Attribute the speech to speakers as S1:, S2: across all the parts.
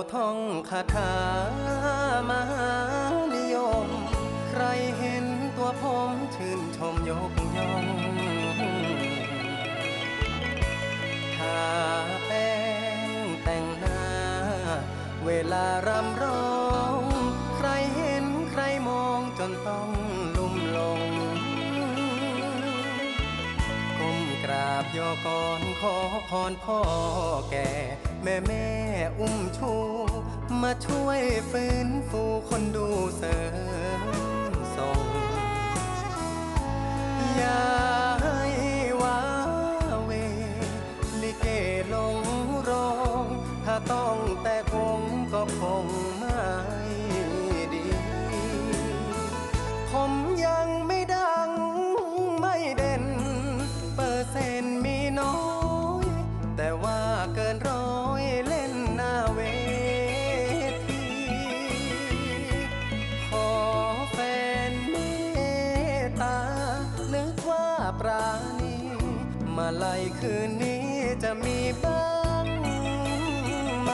S1: ท่องคาถามหานิยมใครเห็นตัวผมชื่นชมยกย่องทาแป้งแต่งหน้าเวลารำร้องใครเห็นใครมองจนต้องลุ่มหลงก้มกราบย่อก่อนขอพรพ่อแก่แม่อุ้มชูมาช่วยฟื้นฟูคนดูเสริมส่งอย่าให้ว้าเวลิเกลงโรงถ้าต้องแต่คงก็คงไม่ดีผมยังไม่ดังไม่เด่นเปอร์เซ็นต์มีน้อยแต่ว่าเกินร้อยเล่นหน้าเวทีขอแฟนเมตตานึกว่าปราณีมาลัยคืนนี้จะมีบ้างไหม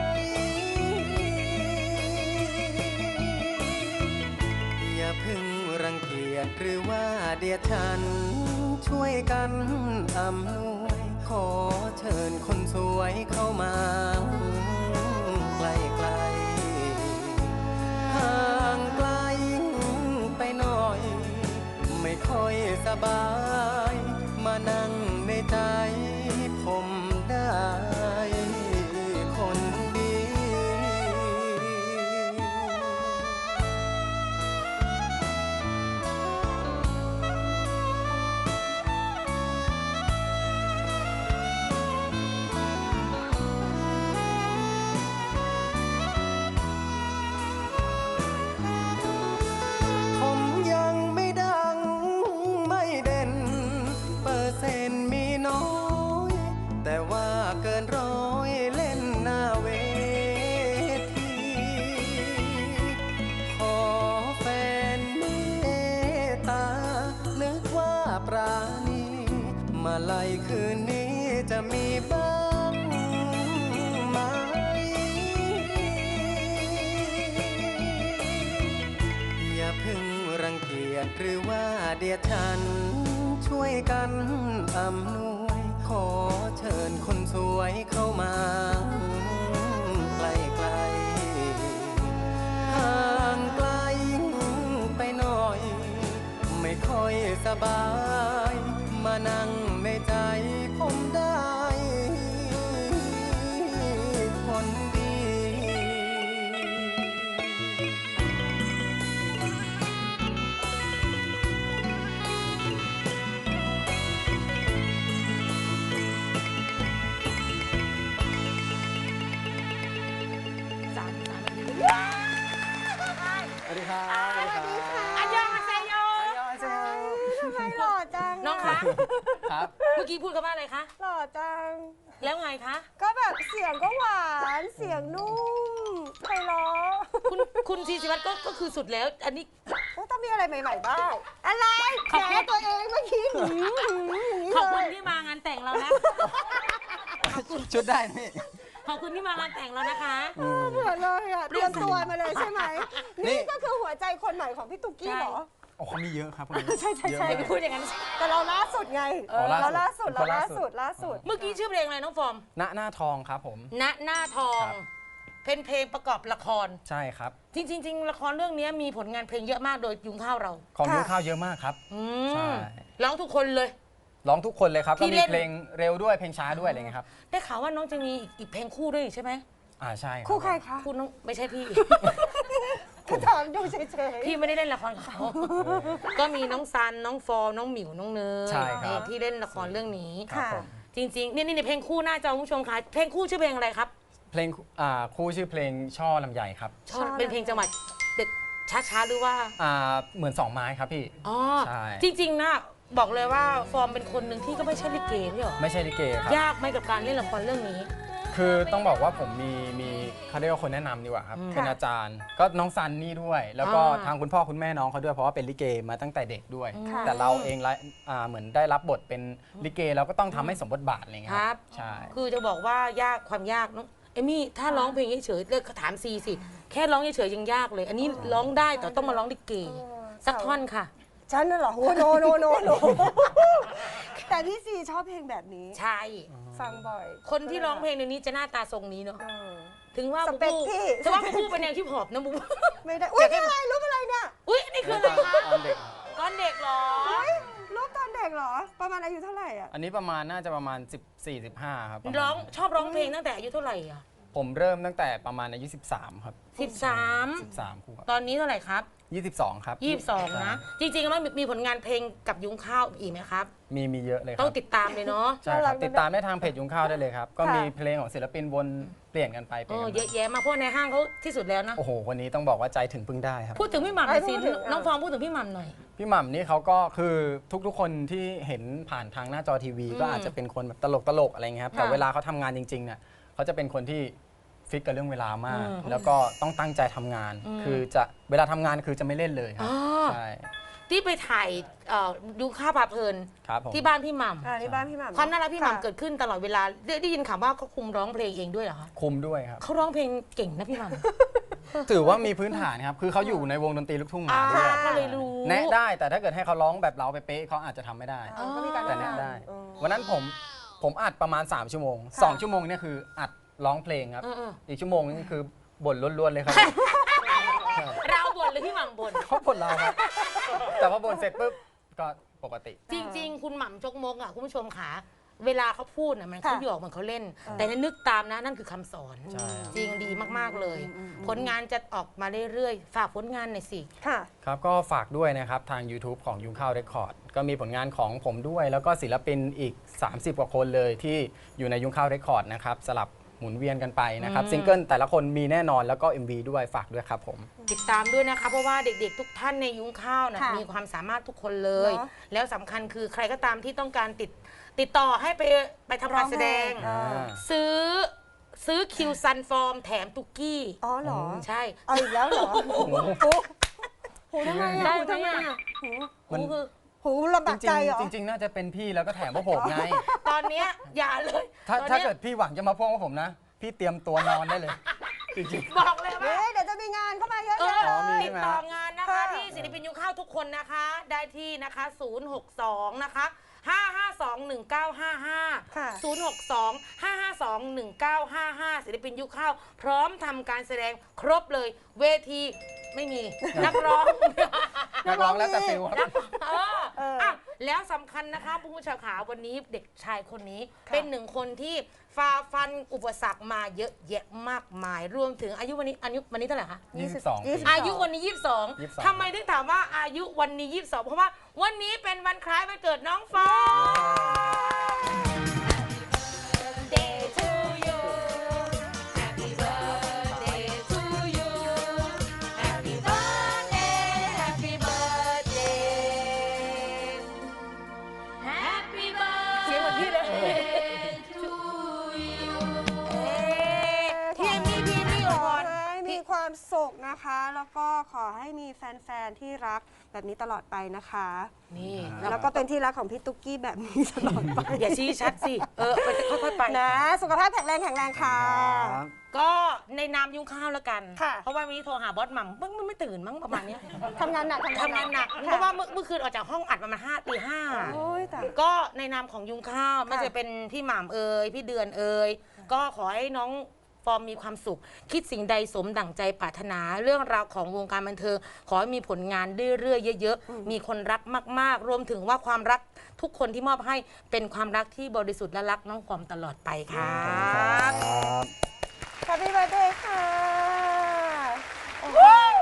S1: อย่าเพิ่งรังเกียจหรือว่าเดียดฉันช่วยกันอำนวยขอเชิญคนสวยเข้ามาใกล้ๆห่างไกลไปหน่อยไม่ค่อยสบายมานั่งในใจผมได้คนดี ผมยังไม่ดังไม่เด่นเปอร์เซ็นต์มีน้อยแต่ว่าเกินร้อยเล่นหน้าเวทีขอแฟนเมตตานึกว่าปราณีมาลัยคืนนี้จะมีบ้างไหมอย่าเพิ่งรังเกียจหรือว่าเดียดฉันช่วยกันอำนวยขอเชิญคนสวยเข้ามาใกล้ๆห่างไกลไปหน่อยไม่ค่อยสบายมานั่งในใจผมได้คนดี สวัสดีครับ
S2: สวัสดีค่ะ
S3: อันยองอาเซโย
S2: ทำไมหล่อจัง
S3: น้องคะ
S1: ครับ
S3: เมื่อกี้พูดคำว่าอะไรคะ
S2: หล่อจัง
S3: แล้วไงคะ
S2: ก็แบบเสียงก็หวานเสียงนุ่มไพเราะ
S3: คุณซีศิวัตรก็คือสุดแล้ว อันนี้
S2: ต้องมีอะไรใหม่ๆบ้างอะไร
S3: ขอบ
S2: แก
S3: คุณ
S2: ตัวเองเมื่อกี้อย่างนี้
S3: ขอบคุณ
S2: เลย
S3: ที่มางานแต่งเรานะ
S1: ชุดได้นี่
S3: ขอบคุณที่มางานแต่งเรานะคะ
S2: เหมือนเลยอะเตรียมตัวมาเลยใช่ไหม
S1: นี่
S2: นี่ก็คือหัวใจคนใหม่ของพี่ตุ๊กกี้เหรอ
S1: โอ้เขามีเยอะครับ
S2: ใช่ใช่ใช่
S3: อย่าไปพูดอย่างนั้น
S2: แต่เราล่าสุดไง
S1: อ๋อ
S2: เรา
S1: ล่า
S2: ล่า
S1: สุ
S2: สุ
S1: ด
S2: ดเราล่า
S1: ล่าสุ
S2: สุด
S1: ด
S2: ล่าสุด
S3: เมื่อกี้ชื่อเพลงอะไรน้องฟอร์ม
S1: ณหน้าทองครับผม
S3: ณหน้าทอง
S1: ครับ
S3: เป็นเพลงประกอบละคร
S1: ใช่ครับ
S3: จริงๆละครเรื่องนี้มีผลงานเพลงเยอะมากโดยยุงข้าวเรา
S1: ของยุ้งข้าวเยอะมากครับ
S3: อื
S1: ใช่
S3: มร้องทุกคนเลย
S1: ร้องทุกคนเลยครับ
S3: ที่
S1: ก็มี
S3: เล่น
S1: เพลงเร็วด้วยเพลงช้าด้วยอะไรเงี้ยครับ
S3: ได้ข่าวว่าน้องจะมีอีกเพลงคู่ด้วยใช่ไหม
S1: ใช่รับ
S2: คู่ใครคะ
S3: คู่น้องไม่ใช่พี่
S2: ก็ถามดูเฉย
S3: พี่ไม่ได้เล่นละครกับเขา ก็มีน้องซัน น้องฟอร์ม น้องหมิว น้องเนย
S1: ใช่ครับ
S3: ที่เล่นละครเรื่องนี้
S1: ครับผม
S3: จริงๆ นี่เพลงคู่หน้าจอคุณผู้ชมคะเพลงคู่ชื่อเพลงอะไรครับ
S1: เพลงคู่ชื่อเพลงช่อลำไยครับ
S3: เป็นเพลงจังหวัดเด็ดช้าๆหรือว่า
S1: เหมือนสองไม้ครับพี่
S3: อ๋อ
S1: ใช่
S3: จริงๆนะบอกเลยว่าฟอร์มเป็นคนหนึ่งที่ก็ไม่ใช่ลิเกไม่หรอ
S1: ไม่ใช่ลิเกครับ
S3: ยากไหมกับการเล่นละครเรื่องนี้
S1: คือต้องบอกว่าผมมีเขาเรียกว่าคนแนะนำดีกว่าครับ เป็นอาจารย์ ก็น้องซันนี่ด้วย แล้วก็
S3: อ่า
S1: ทางคุณพ่อคุณแม่น้องเขาด้วยเพราะว่าเป็นลิเกมาตั้งแต่เด็กด้วย
S2: ค่ะ
S1: แต่เราเองเหมือนได้รับบทเป็นลิเกเราก็ต้องทำให้สมบทบาทอะไรเงี้ย
S3: ครับ
S1: ใช่
S3: คือจะบอกว่ายากความยากน้องเอมี่ถ้าร้องเพลงเฉยๆเลิกถามซีสิแค่ร้องเฉยๆยังยากเลย อันนี้ร้องได้แต่ต้องมาร้องลิเกสักท่อนค่ะ
S2: ฉันน่ะเหรอโอ้โนแต่พี่ซีชอบเพลงแบบนี้
S3: ใช่
S2: ฟังบ่อย
S3: คนที่ร้องเพลงในนี้จะหน้าตาทรงนี้เนาะ
S2: เออ
S3: ถึงว่า
S2: ส
S3: บู
S2: เปค
S3: บู
S2: พี่
S3: ถึงว่าบูบูเป็นแนวฮิปฮอปนะบูบู
S2: ไม่ได้อุ้ยนี่อะไรรูปอะไรเนี่ย
S3: อุ้ยนี่คืออะไรคะ
S1: ตอนเด็ก
S3: ก้อนเด็กเหรอ
S2: รูปตอนเด็กเหรอ ประมาณอายุเท่าไหร่อ่ะ
S1: อันนี้น่าจะประมาณ14-15ครับประมาณ
S3: ร้องชอบร้องเพลงตั้งแต่อายุเท่าไหร่อ่ะ
S1: ผมเริ่มตั้งแต่ประมาณอายุ13 ครับ
S3: 13
S1: 13ครูครั
S3: ตอนนี้เท่าไหร่ครับ
S1: บ22 ครับ
S3: 22 นะ จริงๆแล้วมีผลงานเพลงกับยุ้งข้าวอีกไหมครับ
S1: มีเยอะเลยค
S3: ต้
S1: รั
S3: อบ งติดตามเลยเนาะ
S1: ใช่ครับติดตามได้ทางเพจยุงข้าวได้เลยครับ ก็
S2: ค่ะ
S1: มีเพลงของศิลปินวนเปลี่ยนกันไปเป
S3: เอ
S1: ลี่ยน
S3: อ
S1: กัน
S3: เยอะแยะมากเพราะในห้างเขาที่สุดแล้วนะ
S1: โอ้โหคนนี้ต้องบอกว่าใจถึงพึ่งได้ครับ
S3: พูดถึงพี่หม่ำหน่อยสิ
S2: พูดถึง
S3: น้องฟองพูดถึงพี่หม่ำหน่อย
S1: พี่หม่ำนี่เขาก็คือทุกๆคนที่เห็นผ่านทางหน้าจอทีวี ก็อาจจะเป็นคนแบบตลกอะไรเงี้ยครับแต่
S3: ค่ะ
S1: เวลาเขาทำงานจริงๆเนี่ยเขาจะเป็นคนที่ฟิกกับเรื่องเวลามาก
S3: อืม
S1: แล้วก็ต้องตั้งใจทำงาน คือจะเวลาทำงานคือจะไม่เล่นเลยครั
S3: อ๋
S1: บ
S3: อ
S1: ใช่
S3: ที่ไปถ่ายยุ้งข้าวพาเพลิน
S1: ครับผม
S3: ที่บ้านพี่หม่ำ
S2: นี่บ้านพี่หม่ำ
S3: ความน่ารักพี่หม่ำ
S2: ค่ะ
S3: เกิดขึ้นตลอดเวลาได้ยินข่าวว่าเขาคุมร้องเพลงเองด้วยเหรอคะ
S1: คุมด้วยครับ
S3: เขาร้องเพลงเก่งนะพี่หม่ำ
S1: ถือว่ามีพื้นฐานครับคือเขาอยู่ในวงดนตรีลูกทุ่งมา
S3: อ่า
S1: ด้วย
S3: ก็เลยรู้
S1: แนะได้แต่ถ้าเกิดให้เขาร้องแบบเราไปเป๊ะเขาอาจจะทำไม่ได้
S2: เออก็มีการ
S1: แต่แนะได้
S2: เออ
S1: วันนั้นผมอัดประมาณ 3 ชั่วโมง
S2: ค่ะ
S1: 2 ชั่วโมงเนี่ยคืออัดร้องเพลงครับ
S3: เออ
S1: อีกชั่วโมงนึงคือบ่นล้วนๆเลยครับ
S3: เราบ่นหรือพี่หม่ำบ่น
S1: เขาบ่นเราครับ แต่พอบ่นเสร็จปุ๊บก็ปกติ
S3: จริง ๆ คุณหม่ำจกมกอ่ะคุณผู้ชมขาเวลาเขาพูดน่ะมันเขาหยอกมันเขาเล่น แต่นึกตามนะนั่นคือคำสอน
S1: ใช่ครับ
S3: จริงดีมากๆเลย ผลงานจะออกมาเรื่อยๆฝากผลงานหน่อยสิ
S2: ค่ะ
S1: ครับก็ฝากด้วยนะครับ ทาง YouTube ของยุงข้าวเรคคอร์ดก็มีผลงานของผมด้วย แล้วก็ศิลปินอีก 30 กว่าคนเลยที่อยู่ในยุงข้าวเรคคอร์ดนะครับสลับหมุนเวียนกันไปนะครับซิงเกิลแต่ละคนมีแน่นอนแล้วก็ MV ด้วยฝากด้วยครับผม
S3: ติดตามด้วยนะคะเพราะว่าเด็กๆ ทุกท่านในยุ้งข้าวนะ
S2: ค่ะ
S3: มีความสามารถทุกคนเลย
S2: เนอะ
S3: แล้วสำคัญคือใครก็ตามที่ต้องการติดต่อให้ไปทำการแสดง
S2: ร้องเพลง
S3: ซื้อคิวซันฟอร์มแถมตุกกี้
S2: อ๋อเหรอ
S3: ใช่
S2: เอาอีกแล้วเหรอหูทำไม
S3: ได้
S2: อ่ะ
S3: ไหม
S2: หูทำไม
S3: อ่ะ
S2: อ่ะหู
S1: มัน
S3: คือ
S2: หูลำบากใจเหรอ
S1: จริงๆน่าจะเป็นพี่แล้วก็แถมพวกผมไง
S3: ตอนเนี้ยอย่าเลย
S1: ถ้า
S3: ตอน
S1: ถ้า
S3: นี้ย
S1: เกิดพี่หวังจะมาพ่วงกับผมนะ พี่เตรียมตัวนอนได้เลย จริง
S3: บอกเลยว่า
S2: เดี๋ยวจะมีงานเข้ามาเยอะ
S3: เอ
S2: แยะ
S3: อ
S2: เลย
S3: ติดต่องานนะคะ
S2: ค่ะ
S3: ที่ศิลปินยุคข้าวทุกคนนะคะ ได้ที่นะคะ 062 นะคะ 5521955
S2: ค่ะ
S3: 062 5521955 ศิลปินยุคข้าวพร้อมทำการแสดงครบเลย เวทีไม่มี นักร้อง
S1: ๆนักร้องแล้วแต่ฟิลครับ
S3: อ่ะแล้วสำคัญนะคะผู้ชมขาวันนี้เด็กชายคนนี้เป็นหนึ่งคนที่ฝ่าฟันอุปสรรคมาเยอะแยะมากมาย รวมถึงอายุวันนี้เท่าไหร่คะ
S1: 22 ปี
S3: อายุวันนี้ 22
S1: 22
S3: ทำไมถึงถามว่าอายุวันนี้ 22 เพราะว่าวันนี้เป็นวันคล้ายวันเกิดน้องฟอง Day to you Happy birthday to you Happy birthday Happy birthday Happy birthday เสียงเหมือนพี่เลย to you พี่เอมี่พี่เอมี่
S2: ข
S3: อ
S2: อ
S3: วยพร
S2: ให้มีความสุขนะคะ แล้วก็ขอให้มีแฟนๆที่รักแบบนี้ตลอดไปนะคะ
S3: นี่
S2: แล้วก็เป็นที่รักของพี่ตุ๊กกี้แบบนี้ตลอดไป
S3: อย่าชี้ชัดสิ ไปค่อยๆไป
S2: นะ สุขภาพแข็งแรงค่ะ
S3: ก็ในนามยุ้งข้าวแล้วกัน
S2: ค่ะ
S3: เพราะว่าวันนี้โทรหาบอสหม่ำมันไม่ตื่นมั้งประมาณเนี้ย
S2: ทำงานหนัก
S3: ทำงานหนัก เพราะว่าเมื่อคืนออกจากห้องอัดประมาณตีห้า
S2: โอ้ยแต่
S3: ก็ในนามของยุ้งข้าวไม่ว่าจะเป็นพี่หม่ำเอ่ยพี่เดือนเอ่ยก็ขอให้น้องฟอร์มมีความสุข คิดสิ่งใดสมดั่งใจปรารถนาเรื่องราวของวงการบันเทิงขอให้มีผลงานเรื่อยๆเยอะๆมีคนรักมากๆ รวมถึงว่าความรักทุกคนที่มอบให้เป็นความรักที่บริสุทธิ์และรักน้องฟอร์มตลอดไปครับ
S2: แฮปปี้เบิร์ดเดย์ค่ะโอ้โห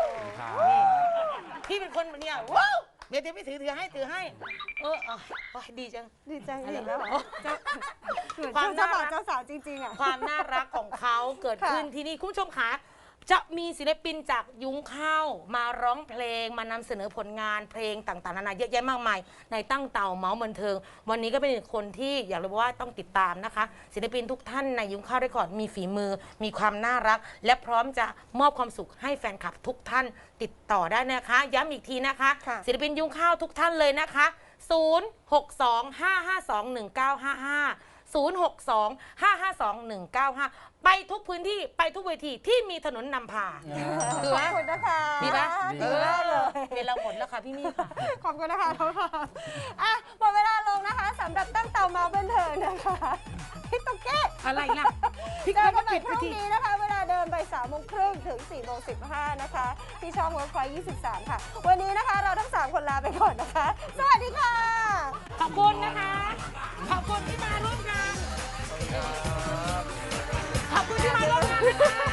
S3: พี่เป็นคนแบบเนี้ยว้าวเดี๋ยวพี่ถือให้โอ้ยดีจัง
S2: ดีใจอีกแล้วเหรอเหมือน
S3: ความ
S2: เจ้า
S3: น่า
S2: บ่าว
S3: รัก
S2: เจ้าสาวจริงๆอ่ะ
S3: ความน่ารักของเขาเกิดขึ้น
S2: ค่ะ
S3: ที่นี่คุณผู้ชมคะจะมีศิลปินจากยุ้งข้าวมาร้องเพลงมานำเสนอผลงานเพลงต่างๆนานาเยอะแยะมากมายในตั้งเต่าเมาส์บันเทิง วันนี้ก็เป็นอีกคนที่อยากรู้ว่าต้องติดตามนะคะ ศิลปินทุกท่านในยุ้งข้าวเรคคอร์ดมีฝีมือ มีความน่ารัก และพร้อมจะมอบความสุขให้แฟนคลับทุกท่านติดต่อได้นะคะ ย้ำอีกทีนะคะ
S2: ค่ะ
S3: ศิลปินยุ้งข้าวทุกท่านเลยนะคะ 062 552 1955 062 552 1955 ไปทุกพื้นที่ไปทุกเวทีที่มีถนนนำพาคือ
S2: ข
S3: ไหม
S2: อบคุณนะคะ
S3: ดีไหม
S2: ดีมากเลย
S3: เวลาหมดแล้วค่ะพี่มี่ค่ะ
S2: ขอบคุณนะคะน้องพามอ่ะหมดเวลาลงนะคะสำหรับตั้งเตาเมาบันเทิงนะคะพี่ตุ๊กเก้
S3: อะไรล่ะพี่
S2: เจ
S3: ก็
S2: อกั
S3: มาน
S2: ใหม่
S3: ปิด
S2: พ
S3: ไป
S2: รุ่ง
S3: ที
S2: นี้นะคะ เวลาเดินไป3:30ถึง4:15นะคะ ที่ช่อง Workpoint 23 ค่ะ วันนี้นะคะเราทั้ง 3 คนลาไปก่อนนะคะ สวัสดีค่ะ
S3: ขอบคุณนะคะ ขอบคุณที่มาร่วมงาน ขอบคุณที่มาร่วมงานนะคะ